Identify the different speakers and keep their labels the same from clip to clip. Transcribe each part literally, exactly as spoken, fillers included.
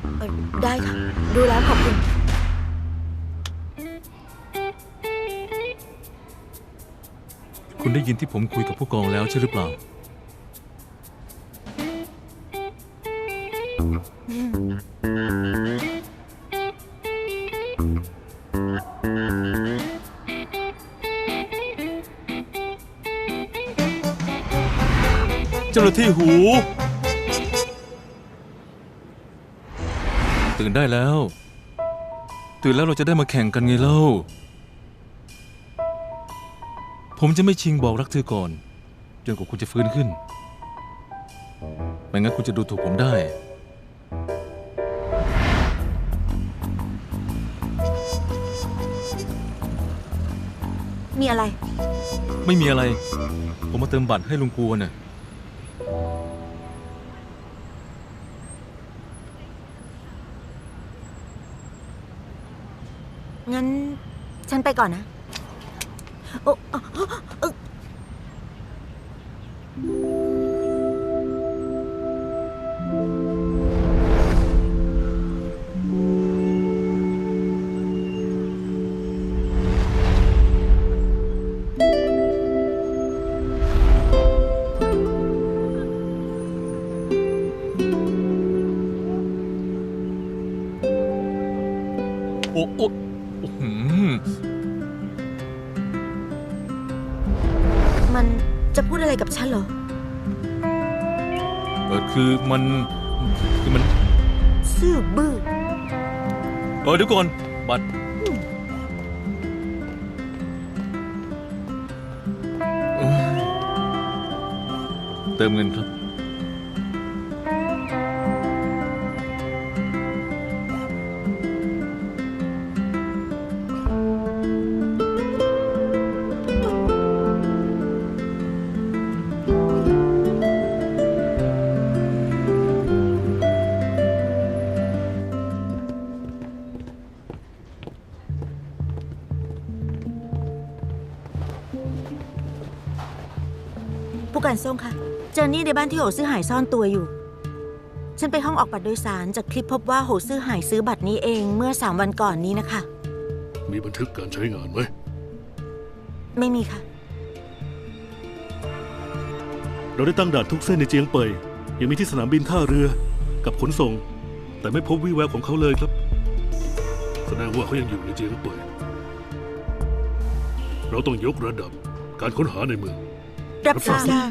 Speaker 1: ได้ค่ะ ดูแล้วขอบคุณ
Speaker 2: คุณได้ยินที่ผมคุยกับผู้กองแล้วใช่หรือเปล่าเจ้าหน้าที่หูตื่นได้แล้วตื่นแล้วเราจะได้มาแข่งกันไงเล่าผมจะไม่ชิงบอกรักเธอก่อนจนกว่าคุณจะฟื้นขึ้นไม่งั้นคุณจะดูถูกผมได้
Speaker 1: มีอะไร
Speaker 2: ไม่มีอะไรผมมาเติมบัตรให้ลุงกวนน่ะ
Speaker 1: งั้นฉันไปก่อนนะโอ้เออ
Speaker 2: โอ้โอ้โอ้หืม
Speaker 1: มันจะพูดอะไรกับฉันเหรอ
Speaker 2: เออคือมันคือมัน
Speaker 1: ซื่อบื้อ
Speaker 2: เออเดี๋ยวก่อนบัตรโอ้ยเติมเงินครับ
Speaker 1: ผู้การส่งค่ะเจอนี่ในบ้านที่โหซื่อหายซ่อนตัวอยู่ ฉันไปห้องออกบัตรโดยสารจากคลิปพบว่าโหซื่อหายซื้อบัตรนี้เองเมื่อสามวันก่อนนี้นะคะ
Speaker 3: มีบันทึกการใช้งานไหม
Speaker 1: ไม่มีค่ะ
Speaker 3: เราได้ตั้งด่านทุกเส้นในเจียงเปยยังมีที่สนามบินท่าเรือกับขนส่งแต่ไม่พบวี่แววของเขาเลยครับแสดงว่าเขายังอยู่ในเจียงเปยเราต้องยกระดับการค้นหาในเมือง
Speaker 1: รับทราบ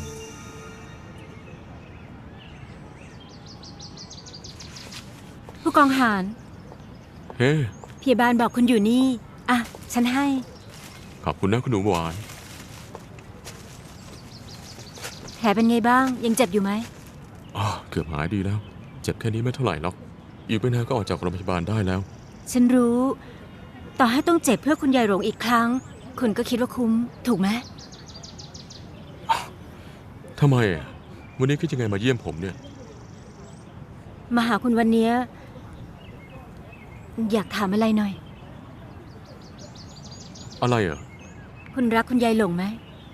Speaker 4: ผู้กองหาร
Speaker 2: เฮ้
Speaker 4: พยาบาลบอกคุณอยู่นี่อ่ะฉันให้
Speaker 2: ขอบคุณนะคุณหนูหวาน
Speaker 4: แผลเป็นไงบ้างยังเจ็บอยู่ไหม
Speaker 2: อ๋อเกือบหายดีแล้วเจ็บแค่นี้ไม่เท่าไหร่หรอกอีกไม่นานก็ออกจากโรงพยาบาลได้แล้ว
Speaker 4: ฉันรู้ต่อให้ต้องเจ็บเพื่อคุณยายหลงอีกครั้งคุณก็คิดว่าคุ้มถูกไหม
Speaker 2: ทำไมอ่ะวันนี้คิดยังไงมาเยี่ยมผมเนี่ย
Speaker 4: มาหาคุณวันนี้อยากถามอะไรหน่อย
Speaker 2: อะไรอ่ะ
Speaker 4: คุณรักคุณยายหลงไหม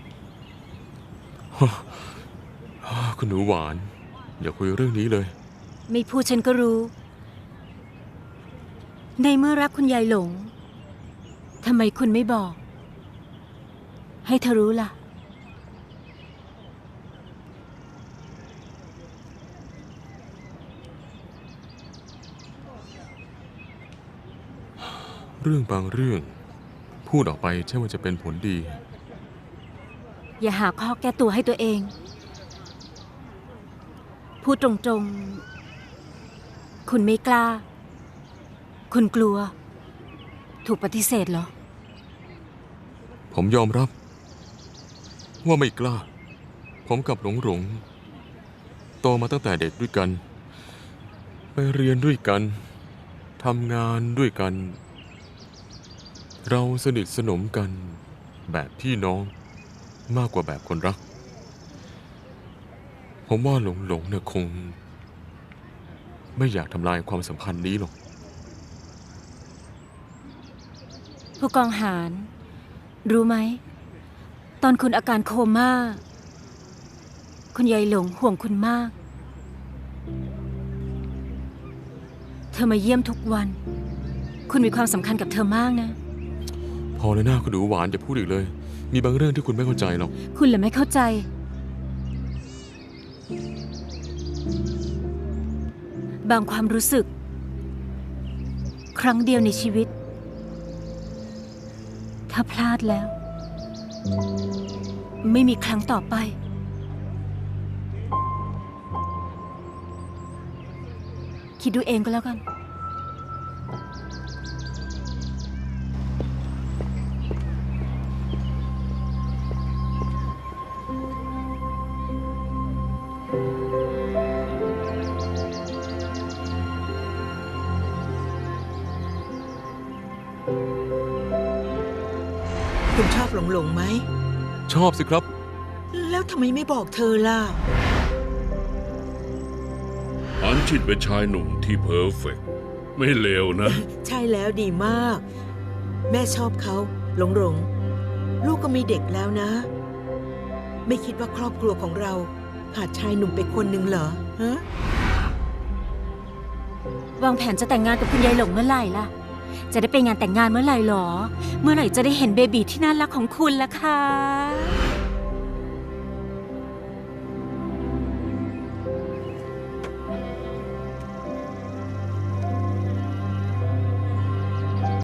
Speaker 2: คุณหนูหวานอย่าคุยเรื่องนี้เลย
Speaker 4: ไม่พูดฉันก็รู้ในเมื่อรักคุณยายหลงทำไมคุณไม่บอกให้เธอรู้ล่ะ
Speaker 2: เรื่องบางเรื่องพูดออกไปใช่ว่าจะเป็นผลดี
Speaker 4: อย่าหาข้อแก้ตัวให้ตัวเองพูดตรงๆคุณไม่กล้าคุณกลัวถูกปฏิเสธเหรอ
Speaker 2: ผมยอมรับว่าไม่กล้าผมกับหลงหลงโตมาตั้งแต่เด็กด้วยกันไปเรียนด้วยกันทำงานด้วยกันเราสนิทสนมกันแบบพี่น้องมากกว่าแบบคนรักผมว่าหลงหลงเนี่ยคงไม่อยากทำลายความสัมพันธ์นี้หรอก
Speaker 4: ผู้กองหารรู้ไหมตอนคุณอาการโคม่าคุณยายหลงห่วงคุณมากธอมาเยี่ยมทุกวัน คุณมีความสำคัญกับเธอมากนะ
Speaker 2: พอเลยหน้าคุณดูหวานจะพูดอีกเลย มีบางเรื่องที่คุณไม่เข้าใจหรอก
Speaker 4: คุณแหละไม่เข้าใจ บางความรู้สึก ครั้งเดียวในชีวิต ถ้าพลาดแล้ว ไม่มีครั้งต่อไป คิดดูเองก็แล้วกัน
Speaker 5: คุณชอบหลงหลงไหม
Speaker 2: ชอบสิครับ
Speaker 5: แล้วทำไมไม่บอกเธอล่ะ
Speaker 6: อันชินเป็นชายหนุ่มที่เพอร์เฟกต์ไม่เลวนะ
Speaker 5: ใช่แล้วดีมาก แม่ชอบเขาหลงหลง ลูกก็มีเด็กแล้วนะ ไม่คิดว่าครอบครัวของเราขาดชายหนุ่มไปคนหนึ่งเหรอฮะ
Speaker 4: วางแผนจะแต่งงานกับคุณยายหลงเมื่อไหร่ล่ะ จะได้ไปงานแต่งงานเมื่อไหร่หรอ เมื่อไหร่จะได้เห็นเบบีที่น่ารักของคุณล่ะคะ